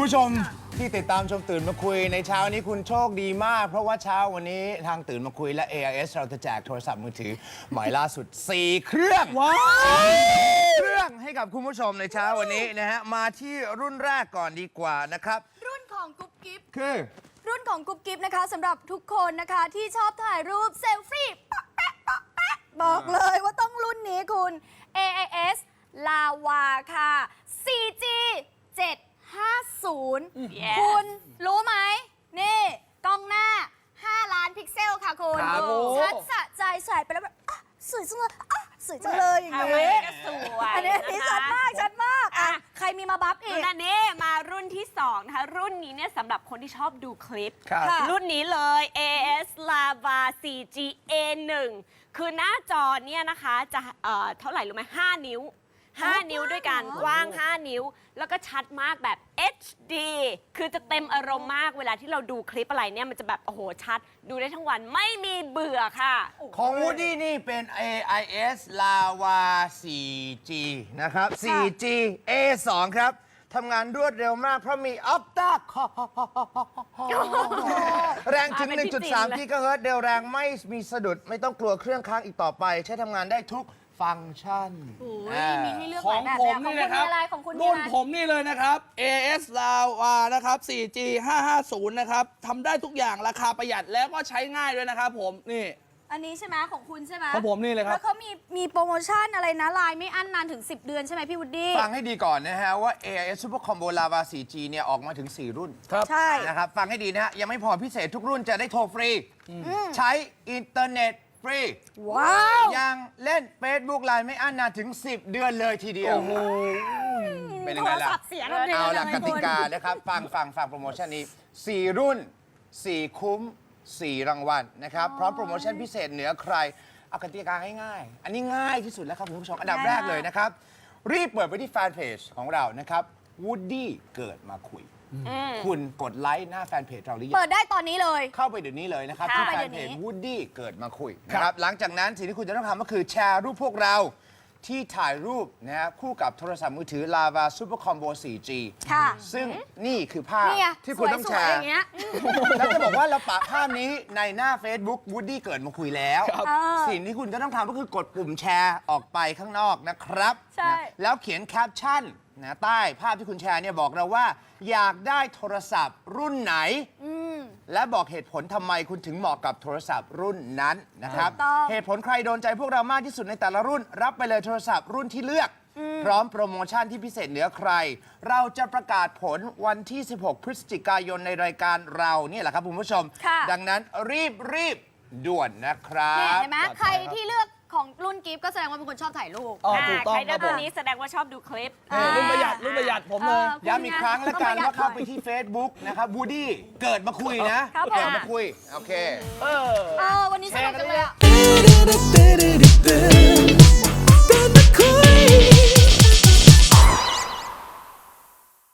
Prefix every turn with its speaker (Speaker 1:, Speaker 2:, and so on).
Speaker 1: ผู้ชมที่ติดตามชมตื่นมาคุยในเช้านี้คุณโชคดีมากเพราะว่าเช้าวันนี้ทางตื่นมาคุยและ AIS เราจะแจกโทรศัพท์มือถือหมายล่าสุด4 เครื่องว้าวเครื่องให้กับคุณผู้ชมในเช้าวันนี้นะฮะมาที่รุ่นแรกก่อนดีกว่านะครับ
Speaker 2: รุ่นของกุ๊บกิ๊บ
Speaker 1: คือ
Speaker 2: รุ่นของกุ๊บกิ๊บนะคะสำหรับทุกคนนะคะที่ชอบถ่ายรูปเซลฟี่ป๊อกแป๊ะป๊อกแป๊ะบอกเลยว่าต้องรุ่นนี้คุณ AIS Lava ค่ะ 4G 750 คุณรู้ไหมนี่กล้องหน้า 5 ล้านพิกเซลค่ะคุณชัดสะใจใส่ไปแล้วแบบสวยจังเลยสวยจังเลยอย่างนี้
Speaker 3: สวย
Speaker 2: อันนี้ชัดมากชัดมากอ่ะใครมีมาบัฟอีก
Speaker 3: รุ่นนี้มารุ่นที่2นะคะรุ่นนี้เนี่ยสำหรับคนที่ชอบดูคลิป รุ่นนี้เลย AIS Lava 4G A1 คือหน้าจอเนี่ยนะคะจะเท่าไหร่รู้ไหม5 นิ้ว5 นิ้วด้วยกันกว้าง5 นิ้วแล้วก็ชัดมากแบบ HD คือจะเต็มอารมณ์มากเวลาที่เราดูคลิปอะไรเนี่ยมันจะแบบโอ้โหชัดดูได้ทั้งวันไม่มีเบื่อค่ะ
Speaker 1: ของ Woody นี่เป็น AIS Lava 4G นะครับ 4G A2 ครับทำงานรวดเร็วมากเพราะมี Opta แรงถึง 1.3 กิกะเฮิรตซ์เร็วแรงไม่มีสะดุดไม่ต้องกลัวเครื่องค้างอีกต่อไปใช้ทำงานได้ทุกฟังก์ชัน
Speaker 2: มีให้เลือก
Speaker 4: ข
Speaker 2: ห
Speaker 4: อ
Speaker 2: ลาง ยแบบ
Speaker 4: ผมนี่นะครับ
Speaker 2: ของคุณ
Speaker 4: รุ่นผมนี่เลยนะครับ AIS Lava นะครับ 4G 550 นะครับทำได้ทุกอย่างราคาประหยัดแล้วก็ใช้ง่ายด้วยนะครับผมนี่
Speaker 2: อันนี้ใช่ไหมของคุณใช่ไหม
Speaker 4: ของผมนี่เลยครับ
Speaker 2: แล้วเขามีโปรโมชั่นอะไรนะไลน์ไม่อั้นนานถึง10 เดือนใช่ไหมพี่วูดดี้
Speaker 1: ฟังให้ดีก่อนนะฮะว่า AIS Super Combo Lava 4G เนี่ยออกมาถึง4 รุ่น
Speaker 4: ครับ
Speaker 2: ใช่
Speaker 1: นะครับฟังให้ดีนะฮะยังไม่พอพิเศษทุกรุ่นจะได้โทรฟรีใช้อินเทอร์เน็ตฟรี
Speaker 2: ว้าว
Speaker 1: ยังเล่น Facebook ไลน์ไม่อั้นนานถึง10 เดือนเลยทีเดียวเป็นยังไงล่ะเอาล่ะกติกานะครับฟังโปรโมชั่นนี้4 รุ่น 4 คุ้ม4 รางวัลนะครับพร้อมโปรโมชั่นพิเศษเหนือใครเอากติกาง่ายๆอันนี้ง่ายที่สุดแล้วครับคุณผู้ชมอันดับแรกเลยนะครับรีบเปิดไปที่แฟนเพจของเรานะครับ Woody เกิดมาคุยคุณกดไลค์หน้าแฟนเพจเราหรือยัง
Speaker 2: เปิดได้ตอนนี้เลย
Speaker 1: เข้าไปเดี๋ยวนี้เลยนะครับที่แฟนเพจ Woody เกิดมาคุยนะครับหลังจากนั้นสิ่งที่คุณจะต้องทำก็คือแชร์รูปพวกเราที่ถ่ายรูปนะฮะคู่กับโทรศัพท์มือถือ Lava Super Combo 4G ซึ่งนี่คือภาพที่คุณต้องแชร์แล้วจะบอกว่าเราปะภาพนี้ในหน้า Facebook Woody เกิดมาคุยแล้วสิ่งที่คุณจะต้องทำก็คือกดปุ่มแชร์ออกไปข้างนอกนะครับแล้วเขียนแคปชั่นนะใต้ภาพที่คุณแชร์เนี่ยบอกเราว่าอยากได้โทรศัพท์รุ่นไหนและบอกเหตุผลทำไมคุณถึงเหมาะกับโทรศัพท์รุ่นนั้นนะครับเหตุผลใครโดนใจพวกเรามากที่สุดในแต่ละรุ่นรับไปเลยโทรศัพท์รุ่นที่เลือกพร้อมโปรโมชั่นที่พิเศษเหนือใครเราจะประกาศผลวันที่16 พฤศจิกายนในรายการเราเนี่ยแหละครับคุณผู้ชมดังนั้นรีบด่วนนะครับ
Speaker 2: เห็นไหมใครที่เลือกของรุ่นกิฟต์ก็แสดงว่าเป็นคนชอบถ่ายรูป
Speaker 4: ถูกต้อง
Speaker 3: ใครเลือกตัวนี้แสดงว่าชอบดูคลิป
Speaker 4: รุ่นประหยัดผมเลย
Speaker 1: ย้ำอีกครั้งแล้วกันว่าเข้าไปที่ Facebook นะครับ Woody เกิดมาคุยนะเกิดมาคุยโอเค
Speaker 2: วันนี้สนุกจังเลย